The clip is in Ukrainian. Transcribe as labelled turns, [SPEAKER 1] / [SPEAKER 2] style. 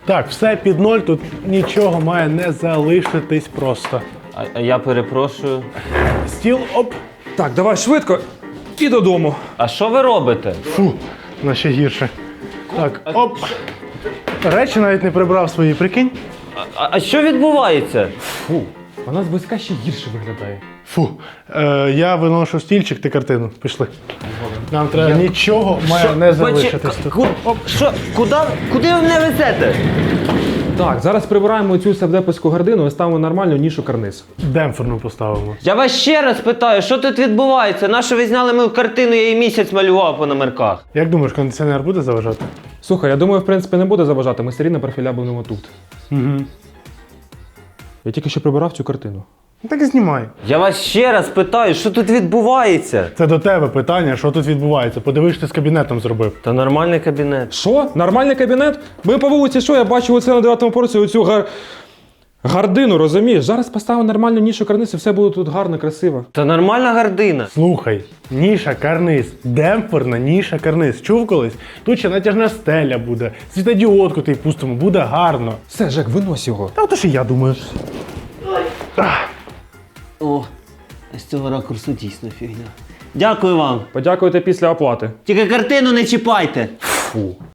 [SPEAKER 1] Так, все під ноль, тут нічого має не залишитись просто.
[SPEAKER 2] А я перепрошую.
[SPEAKER 1] Стіл, оп.
[SPEAKER 3] Так, давай швидко і додому.
[SPEAKER 2] А що ви робите?
[SPEAKER 1] Фу, на ще гірше. Так, оп. Речі навіть не прибрав свої, прикинь.
[SPEAKER 2] А що відбувається?
[SPEAKER 3] Фу, вона зблизька ще гірше виглядає.
[SPEAKER 1] Фу. Я виношу стільчик, ти картину. Пішли. Нам треба нічого має не залишитись тут.
[SPEAKER 2] Що? Куди ви мене везете?
[SPEAKER 3] Так, зараз прибираємо цю севдепівську гардину і ставимо нормальну нішу карниз.
[SPEAKER 1] Демпферну поставимо.
[SPEAKER 2] Я вас ще раз питаю, що тут відбувається? Нащо ви зняли мою картину, я її місяць малював по номерках?
[SPEAKER 1] Як думаєш, кондиціонер буде заважати?
[SPEAKER 3] Слухай, я думаю, в принципі, не буде заважати, ми все рівно профіля будемо тут.
[SPEAKER 1] Угу.
[SPEAKER 3] Я тільки що прибирав цю картину.
[SPEAKER 1] Ну так і знімай.
[SPEAKER 2] Я вас ще раз питаю, що тут відбувається?
[SPEAKER 1] Це до тебе питання, що тут відбувається. Подивись, що ти з кабінетом зробив.
[SPEAKER 2] Та нормальний кабінет.
[SPEAKER 3] Що? Нормальний кабінет? Ми по вулиці, що? Я бачив оце на 9-му поверсі, оцю гардину, розумієш? Зараз поставимо нормальну нішу карниз і все буде тут гарно, красиво.
[SPEAKER 2] Та нормальна гардина.
[SPEAKER 1] Слухай, ніша карниз, демпферна ніша карниз. Чув колись? Тут ще натяжна стеля буде, світодіодку ти пустимо, буде гарно.
[SPEAKER 3] Все, Жек, винось його.
[SPEAKER 1] Та ото ж і я думаю.
[SPEAKER 2] О, з цього ракурсу дійсно фігня. Дякую вам.
[SPEAKER 3] Подякуйте після оплати.
[SPEAKER 2] Тільки картину не чіпайте.
[SPEAKER 3] Фу.